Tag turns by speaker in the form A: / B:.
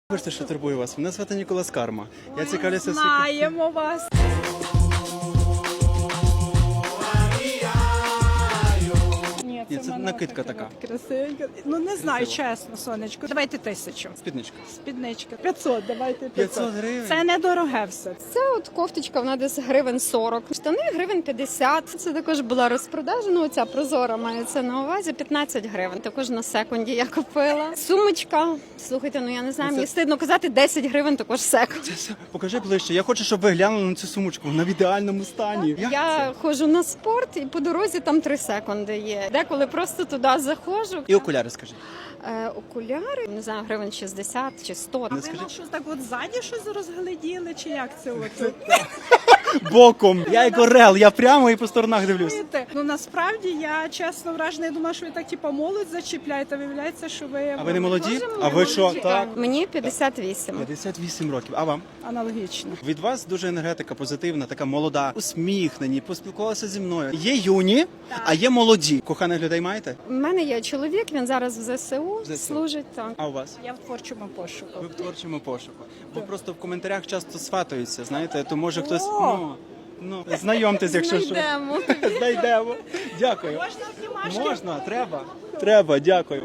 A: Вибачте, що турбую вас. Мене звати Ніколас Карма. Я цікавлюся
B: Знаємо вас.
A: Ні, це накидка така.
B: Красивенька. Ну не знаю, чесно, сонечко. Давайте 1000.
A: Спідничка.
B: Спідничка. 500, давайте 500.
A: 500 гривень?
B: Це недороге все.
C: Це от кофточка, вона десь гривень 40. Штани гривень 50. Це також була розпродажа, ну оця прозора мається на увазі. 15 гривень. Також на секунді я купила. Сумочка. Слухайте, ну я не знаю,
A: Ну, це-
C: мені стидно казати, 10 гривень також секунд.
A: Покажи ближче. Я хочу, щоб ви глянули на цю сумочку. Вона в ідеальному стані. Як
C: Я
A: це?
C: ходжу на спорт і по дорозі там 3 секунди є. Деколи просто туди заходжу.
A: І окуляри, скажіть.
C: Окуляри, не знаю, гривень 60 чи 100.
B: Ви нам щось так от ззаді щось розгляділи, чи як це от?
A: Боком. Я як орел, я прямо і по сторонах дивлюсь.
B: Знаєте, ну насправді я чесно вражена, я думала, що ви так типу молодь зачіпляєте, виявляється, що ви
A: А ви не молоді?
C: Дуже
A: А ви що?
C: молоді.
A: Так.
C: Мені 58.
A: 58 років. А вам?
B: аналогічно.
A: Від вас дуже енергетика позитивна, така молода, усміхнені, поспілкувалися зі мною. Є юні, а є молоді. Коханих людей маєте?
C: У мене є чоловік, він зараз в ЗСУ,
A: ЗСУ.
C: служить так.
A: А у вас?
B: Я в творчому пошуку.
A: Ви в творчому пошуку. Бо просто в коментарях часто сватаються, знаєте, то може хтось
B: О!
A: ну знайомтесь, якщо що.
C: Знайдемо.
A: Знайдемо. Дякую.
B: Можна знімашки?
A: Можна, треба. Треба, дякую.